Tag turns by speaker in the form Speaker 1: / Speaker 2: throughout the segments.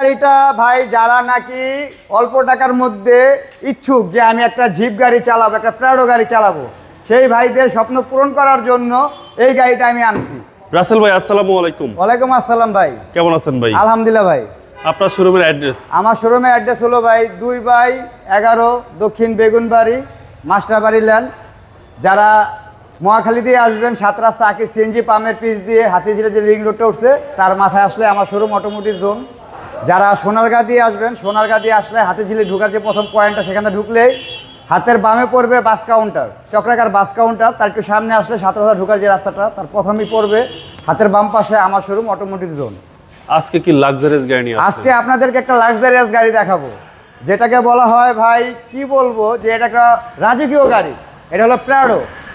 Speaker 1: গাড়িটা ভাই যারা নাকি অল্প টাকার মধ্যে ইচ্ছুক যে আমি একটা জিপ গাড়ি চালাবো, একটা প্রাডো গাড়ি চালাবো, সেই ভাইদের স্বপ্ন পূরণ করার জন্য এই গাড়িটা আমি আনছি।
Speaker 2: রাসেল ভাই আসসালামু আলাইকুম।
Speaker 1: ওয়ালাইকুম আসসালাম ভাই,
Speaker 2: কেমন আছেন ভাই?
Speaker 1: আলহামদুলিল্লাহ ভাই।
Speaker 2: আপনার শোরুমের অ্যাড্রেস?
Speaker 1: আমার শোরুমের অ্যাড্রেস হলো ভাই 2/11 দক্ষিণ বেগুনবাড়ি মাস্টারবাড়ি ল্যান্ড। যারা মহাখালী দিয়ে আসবেন 7 রাস্তা আকি সিএনজি পাম্পের পিচ দিয়ে হাতিঝিলে যে রিং রোডটা উঠছে তার মাথায় আসলে আমার শোরুম অটোমোটিভ জোন। যারা সোনারগাঁ দিয়ে আসবেন, সোনারগাঁ দিয়ে আসলে হাতিঝিলে ঢুকার যে প্রথম পয়েন্টটা সেখানে ঢুকলেই হাতের বামে পড়বে বাস কাউন্টার, চক্রাকার বাস কাউন্টার। তার একটু সামনে আসলে 7 রাস্তা ঢুকার যে রাস্তাটা তার প্রথমেই পড়বে হাতের বাম পাশে আমার শোরুম অটোমোটিভ জোন।
Speaker 2: আজকে কি লাক্সারিয়াস গাড়ি নিয়ে?
Speaker 1: আজকে আপনাদেরকে একটা লাক্সারিয়াস গাড়ি দেখাবো, যেটাকে বলা হয় ভাই কি বলবো যে এটা একটা রাজকীয় গাড়ি। এটা হলো প্রাডো,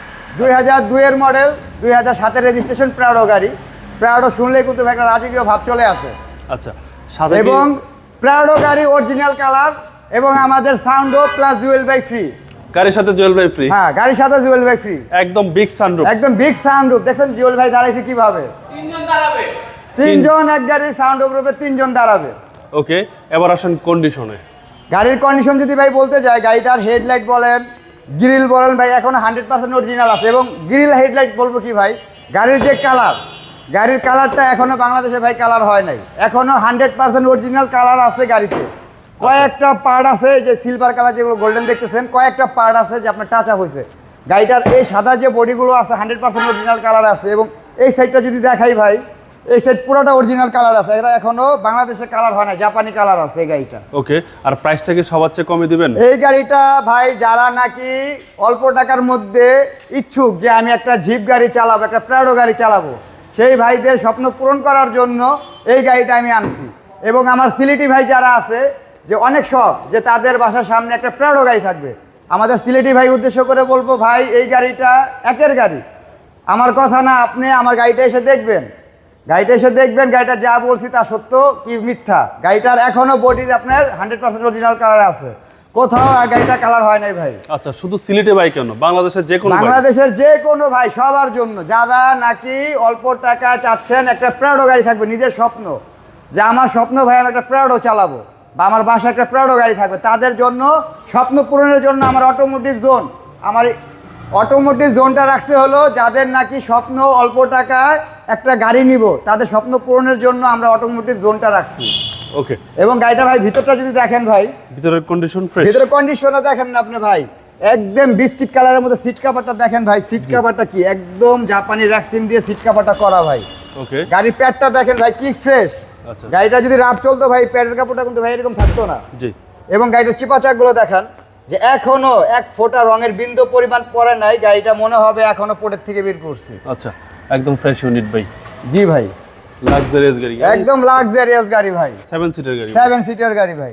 Speaker 1: 2002 এর মডেল, 2007 রেজিস্ট্রেশন প্রাডো গাড়ি। প্রাডো শুনলেই কিন্তু একটা রাজকীয় ভাব চলে আসে।
Speaker 2: আচ্ছা, সাদা
Speaker 1: এবং প্রাডো গাড়ি অরিজিনাল কালার এবং আমাদের সাউন্ডও প্লাস জুয়েল বাই ফ্রি।
Speaker 2: গাড়ির সাথে জুয়েল বাই ফ্রি?
Speaker 1: হ্যাঁ, গাড়ির সাথে জুয়েল বাই ফ্রি।
Speaker 2: একদম বিগ সানরুফ,
Speaker 1: একদম বিগ সাউন্ডরুফ। দেখছেন জুয়েল ভাই দাঁড়াইছে কিভাবে?
Speaker 3: 3 জন দাঁড়াবে।
Speaker 1: 3 জন এক গাড়ির সাউন্ডরুফে 3 জন দাঁড়াবে।
Speaker 2: ওকে, এবার আসেন কন্ডিশনে।
Speaker 1: গাড়ির কন্ডিশন যদি ভাই বলতে যাই, গাড়িটার হেডলাইট বলেন, গ্রিল বলেন ভাই এখনো 100% অরিজিনাল আছে। এবং গ্রিল হেডলাইট বলবো কি ভাই, গাড়ির যে কালার, গাড়ির কালারটা এখনো বাংলাদেশে ভাই কালার হয় নাই, এখনো 100% অরিজিনাল কালার আছে গাড়িতে। কয়েকটা পার্ট আছে যে সিলভার কালার যেগুলো গোল্ডেন দেখতেছেন, কয়েকটা পার্ট আছে যে আপনার টাচ আপ হয়েছে। গাড়িটার এই সাদা যে বডিগুলো আছে 100% অরিজিনাল কালার আছে। এবং এই সাইডটা যদি দেখাই ভাই, এই সাইড পুরোটা অরিজিনাল কালার আছে। এটা এখনো বাংলাদেশে কালার হয় না, জাপানি কালার আছে এই গাড়িটা।
Speaker 2: ওকে, আর প্রাইসটা কি সবার চেয়ে কমে দিবেন?
Speaker 1: এই গাড়িটা ভাই যারা নাকি অল্প টাকার মধ্যে ইচ্ছুক যে আমি একটা জিপ গাড়ি চালাবো, একটা প্রাডো গাড়ি চালাবো, সেই ভাইদের স্বপ্ন পূরণ করার জন্য এই গাড়িটা আমি আনছি। এবং আমার সিলেটি ভাই যারা আছে যে অনেক শখ যে তাদের বাসার সামনে একটা প্রাডো গাড়ি থাকবে, আমাদের সিলেটি ভাই উদ্দেশ্য করে বলবো ভাই এই গাড়িটা একের গাড়ি। আমার কথা না, আপনি আমার গাড়িটা এসে দেখবেন, গাড়িটা এসে দেখবেন গাড়িটা যা বলছি তা সত্য কি মিথ্যা। গাড়িটার এখনো বডির আপনার 100% অরিজিনাল কালার আছে, কোথাও আর গাড়িটা কালার হয় নাই ভাই।
Speaker 2: আচ্ছা, শুধু সিলেটে ভাই কেন, বাংলাদেশের যে কোনো
Speaker 1: বাংলাদেশের যে কোনো ভাই সবার জন্য, যারা নাকি অল্প টাকা চাচ্ছেন একটা প্রাডো গাড়ি থাকবে, নিজের স্বপ্ন যে আমার স্বপ্ন ভাই আমি একটা প্রাডো চালাবো বা আমার বাসায় একটা প্রাডো গাড়ি থাকবে, তাদের জন্য স্বপ্ন পূরণের জন্য আমার অটোমোটিভ জোন, আমার অটোমোটিভ জোনটা রাখছে হলো যাদের নাকি স্বপ্ন অল্প টাকায় একটা গাড়ি নিব, তাদের স্বপ্ন পূরণের জন্য আমরা অটোমোটিভ জোনটা রাখছি।
Speaker 2: ওকে,
Speaker 1: এবং গাড়িটা ভাই ভিতরটা যদি দেখেন ভাই,
Speaker 2: ভিতরের কন্ডিশন ফ্রেশ,
Speaker 1: ভিতরের কন্ডিশনটা দেখেন না আপনি ভাই, একদম বিস্কিট কালারের মধ্যে সিট কভারটা দেখেন ভাই, সিট কভারটা কি একদম জাপানি র্যাক্সিন দিয়ে সিট কভারটা করা ভাই।
Speaker 2: ওকে,
Speaker 1: গাড়ির প্যাডটা দেখেন ভাই কি ফ্রেশ।
Speaker 2: আচ্ছা,
Speaker 1: গাড়িটা যদি রাফ চলতো ভাই প্যাডের কাপড়টা কিন্তু ভাই এরকম থাকতো না।
Speaker 2: জি।
Speaker 1: এবং গাড়িটার চিপা চাকগুলো দেখেন যে এখনো এক ফোঁটা রঙের বিন্দু পরিমাণ পড়ে নাই, গাড়িটা মনে হবে এখনো পোর্টের থেকে বের করছি।
Speaker 2: আচ্ছা, একদম ফ্রেশ ইউনিট ভাই।
Speaker 1: জি ভাই,
Speaker 2: লাক্সারিয়াস গাড়ি,
Speaker 1: একদম লাক্সারিয়াস গাড়ি ভাই,
Speaker 2: 7 সিটার গাড়ি,
Speaker 1: 7 সিটার গাড়ি ভাই,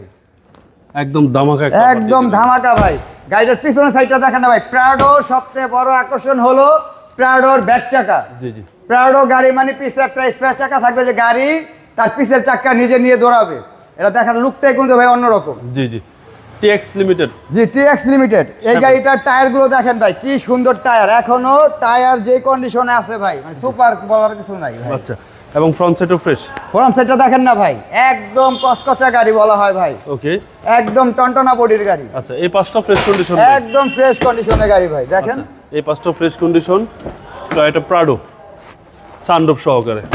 Speaker 2: একদম ধামাকা,
Speaker 1: একদম ধামাকা ভাই। গাড়িটার পিছনের সাইডটা দেখেন না ভাই, প্রাডোর সবচেয়ে বড় আকর্ষণ হলো প্রাডোর ব্যাক চাকা।
Speaker 2: জি জি,
Speaker 1: প্রাডো গাড়ি মানে পিছে একটা স্পেয়ার চাকা থাকবে, যে গাড়ি তার পিছের চাকা নিজে নিয়ে দৌড়াবে। এটা দেখার লুকটাই কিন্তু ভাই অন্যরকম।
Speaker 2: জি জি, টিএক্স লিমিটেড।
Speaker 1: জি, টিএক্স লিমিটেড। এই গাড়িটার টায়ারগুলো দেখেন ভাই কি সুন্দর টায়ার, এখনো টায়ার যে কন্ডিশনে আছে ভাই, মানে সুপার বলার কিছু নাই ভাই।
Speaker 2: আচ্ছা, এবং ফ্রন্ট সাইডও ফ্রেশ।
Speaker 1: ফ্রন্ট সাইডটা দেখেন না ভাই, একদম কচকচা গাড়ি বলা হয় ভাই,
Speaker 2: ওকে,
Speaker 1: একদম টনটনা বডির গাড়ি।
Speaker 2: আচ্ছা, এই পাঁচটা ফ্রেশ কন্ডিশন,
Speaker 1: একদম ফ্রেশ কন্ডিশনের গাড়ি ভাই দেখেন।
Speaker 2: এই পাঁচটা ফ্রেশ কন্ডিশন, এটা প্রাডো সানরুফ সহকারে।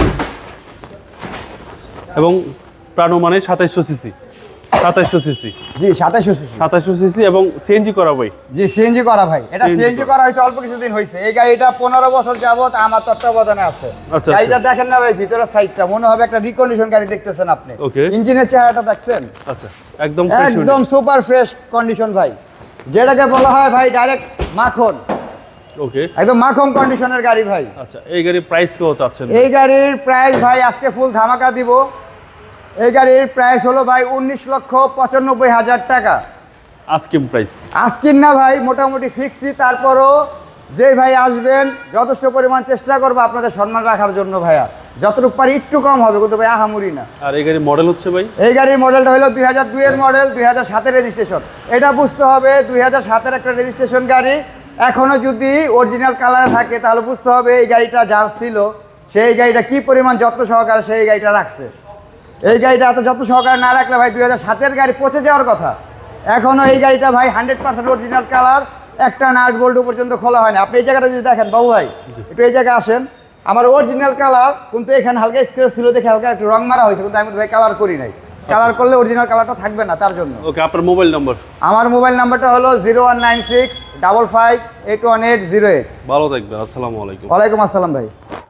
Speaker 2: এবং প্রাডো মানে 2700 সিসি, 2700 সিসি।
Speaker 1: জি, 2700 সিসি,
Speaker 2: 2700 সিসি এবং সিএনজি করা ভাই।
Speaker 1: জি, সিএনজি করা ভাই। এটা
Speaker 2: CNG
Speaker 1: সিএনজি করা হয়েছে অল্প কিছুদিন হয়েছে। এই গাড়িটা 15 বছর যাবত আমার তত্ত্বাবধানে আছে।
Speaker 2: আচ্ছা,
Speaker 1: গাড়িটা দেখেন না ভাই, ভিতরের সাইডটা মনে হবে একটা রিকন্ডিশন গাড়ি দেখতেছেন আপনি।
Speaker 2: ওকে,
Speaker 1: ইঞ্জিনের চেহারাটা দেখছেন,
Speaker 2: আচ্ছা, একদম ফ্রেশ,
Speaker 1: একদম সুপার ফ্রেশ কন্ডিশন ভাই, যেটাকে বলা হয় ভাই ডাইরেক্ট মাখন।
Speaker 2: ওকে,
Speaker 1: একদম মাখন কন্ডিশনের গাড়ি ভাই।
Speaker 2: আচ্ছা, এই গাড়ির প্রাইস কত চাচ্ছেন?
Speaker 1: এই গাড়ির প্রাইস ভাই আজকে ফুল ধামাকা দিব। এই গাড়ির প্রাইস হলো ভাই 19,95,000 টাকা।
Speaker 2: Asking price?
Speaker 1: আস্কিং না ভাই, মোটামুটি ফিক্সই। তারপরও যে ভাই আসবেন যথেষ্ট পরিমাণ চেষ্টা করবো আপনাদের সম্মান রাখার জন্য ভাইয়া, যতটুকু পারি একটু কম হবে, কিন্তু ভাই আহামুরি না।
Speaker 2: আর এই গাড়ির মডেল হচ্ছে ভাই?
Speaker 1: এই গাড়ির মডেলটা হলো 2002 এর মডেল, 2007 রেজিস্ট্রেশন। এটা বুঝতে হবে 2007 একটা রেজিস্ট্রেশন গাড়ি, এখনো যদি অরিজিনাল কালারে থাকে তাহলে বুঝতে হবে এই গাড়িটা যার ছিল সেই গাড়িটা কি পরিমাণ যত্ন সহকারে সেই গাড়িটা রাখছে। এই গাড়িটা এত যত সহকারে না রাখলে ভাই 2007-এর গাড়ি পচে যাওয়ার কথা। এখনও এই গাড়িটা ভাই 100% অরিজিনাল কালার, একটা নাট বোল্ট পর্যন্ত খোলা হয় না। আপনি এই জায়গাটা যদি দেখেন বাবু ভাই, একটু এই জায়গায় আসেন, আমার অরিজিনাল কালার, কিন্তু এখানে হালকা স্ক্র্যাচ ছিল দেখে হালকা একটু রং মারা হয়েছে, কিন্তু আমি ভাই কালার করি নাই। কালার করলে অরিজিনাল কালারটা থাকবে না, তার জন্য।
Speaker 2: ওকে, আপনার মোবাইল নাম্বার?
Speaker 1: আমার মোবাইল নাম্বারটা হলো 0196 55 81808।
Speaker 2: ভালো থাকবেন, আসসালামু আলাইকুম।
Speaker 1: ওয়ালাইকুম আসসালাম ভাই।